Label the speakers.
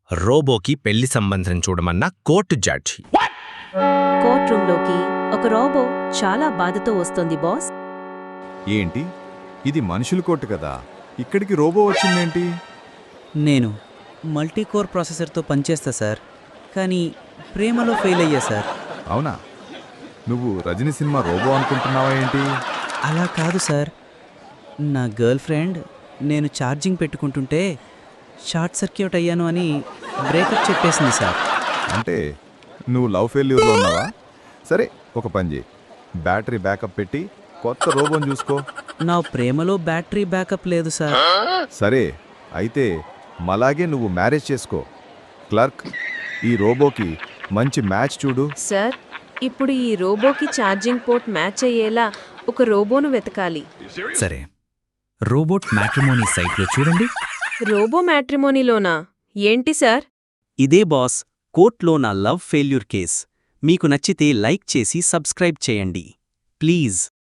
Speaker 1: రోబోకి పెళ్లి సంబంధం చూడమన్న కోర్టు జడ్జి.
Speaker 2: కోర్ట్ రూంలోకి ఒక రోబో చాలా బాధతో వస్తోంది బాస్.
Speaker 3: ఏంటి ఇది మనుషుల కోర్టు కదా, ఇక్కడికి రోబో వచ్చిందేంటి?
Speaker 4: నేను మల్టీకోర్ ప్రాసెసర్తో పనిచేస్తా సార్, కానీ ప్రేమలో ఫెయిల్ అయ్యా సార్.
Speaker 3: అవునా? నువ్వు రజనీ సినిమా రోబో అనుకుంటున్నావా ఏంటి?
Speaker 4: అలా కాదు సార్, నా గర్ల్ ఫ్రెండ్ నేను ఛార్జింగ్ పెట్టుకుంటుంటే షార్ట్ సర్క్యూట్ అయ్యాను అని బ్రేకప్ చెప్పేసింది సార్.
Speaker 3: అంటే నువ్వు లవ్ ఫెయిల్యూర్లో ఉన్నావా? సరే, ఒక పని చేయి, బ్యాటరీ బ్యాకప్ పెట్టి కొత్త రోబోని చూసుకో.
Speaker 4: నా ప్రేమలో బ్యాటరీ బ్యాకప్ లేదు సార్.
Speaker 3: సరే అయితే మలాగే నువ్వు మ్యారేజ్ చేసుకో. క్లర్క్, ఈ రోబోకి మంచి మ్యాచ్ చూడు.
Speaker 5: సార్, ఇప్పుడు ఈ రోబోకి ఛార్జింగ్ పోర్ట్ మ్యాచ్ అయ్యేలా ఒక రోబోను వెతకాలి.
Speaker 6: సరే, రోబోట్ మ్యాట్రిమోనీ సైట్లో చూడండి.
Speaker 5: రోబో మ్యాట్రిమోనీలోనా? ఏంటి సార్?
Speaker 7: ఇదే బాస్, కోర్ట్లో నా లవ్ ఫెయిల్యూర్ కేస్. మీకు నచ్చితే లైక్ చేసి సబ్స్క్రైబ్ చేయండి ప్లీజ్.